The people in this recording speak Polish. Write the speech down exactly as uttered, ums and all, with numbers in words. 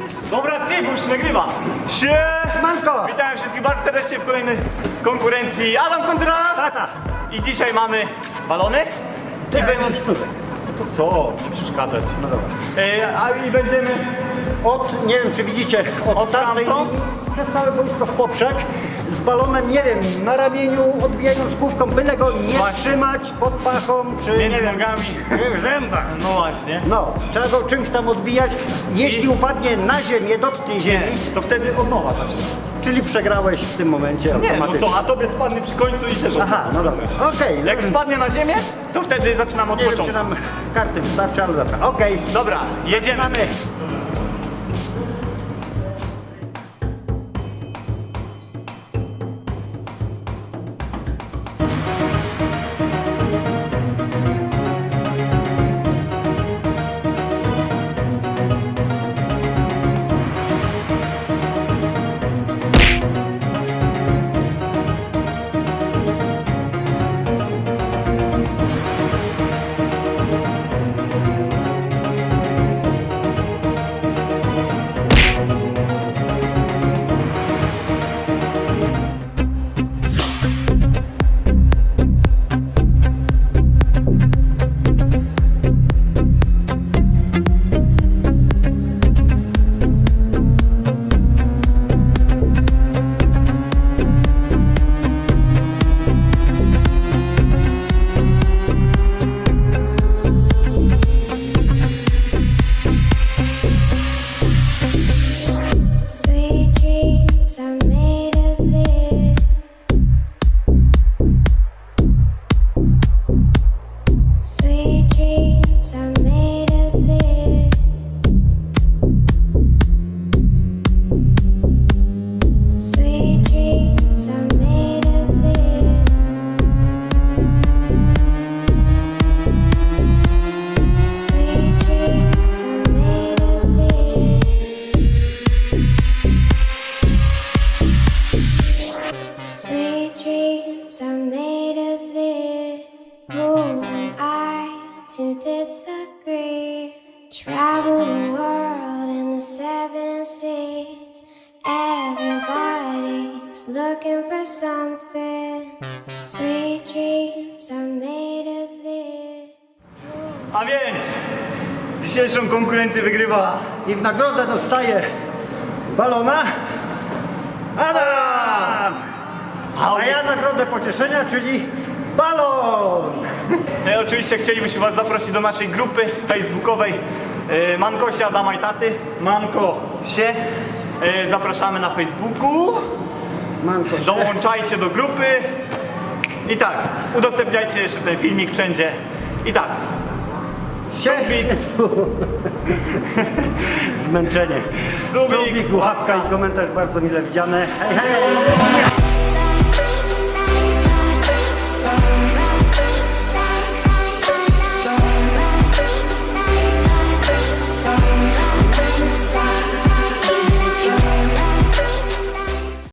Dobra, ty, bo już się nagrywa. Manko! Witam wszystkich bardzo serdecznie w kolejnej konkurencji. Adam kontra Tata! I dzisiaj mamy balony. Ty I będzie będzie... sztuczek. To co? Nie przeszkadzać. No dobra. E, a i będziemy... Od, nie wiem czy widzicie, od, Od tamtej tamtąd? linii przez całe boisko w poprzek z balonem, nie wiem, na ramieniu, odbijając główką, byle go nie Właśnie. trzymać pod pachą, czy Między nie wiem, nogami. w zębach. No właśnie. No, trzeba go czymś tam odbijać. Jeśli I- upadnie na ziemię, dotknie Nie, ziemi, to wtedy od nowa zacznie. czyli przegrałeś w tym momencie Nie, no automatycznie. co, a tobie spadnie przy końcu i też od Aha, nowa. no dobra. Okej, Jak spadnie na ziemię, to wtedy zaczynamy od nie wiem, czy początku. nam karty wystarczy, ale dobra. Okej. Dobra, jedziemy. Sweet dreams are made of this. Sweet dreams are made of this. Sweet dreams are made of this. Sweet dreams are made of this. Sweet dreams are made of this. Who am I to disagree? Travel the world in the seven seas. Everybody's looking for something. Sweet dreams are made of this. A więc dzisiejszą konkurencję wygrywa I w nagrodę dostaje balona Adam! A ja nagrodę pocieszenia, czyli balon! No i oczywiście chcielibyśmy Was zaprosić do naszej grupy facebookowej e, Mankosie Adama i Taty. Manko się. E, Zapraszamy na Facebooku. Manko się. Dołączajcie do grupy. I tak, udostępniajcie jeszcze ten filmik wszędzie. I tak, subik, Zmęczenie. subik, Subik, łapka i komentarz bardzo mile widziane. Hej, hej!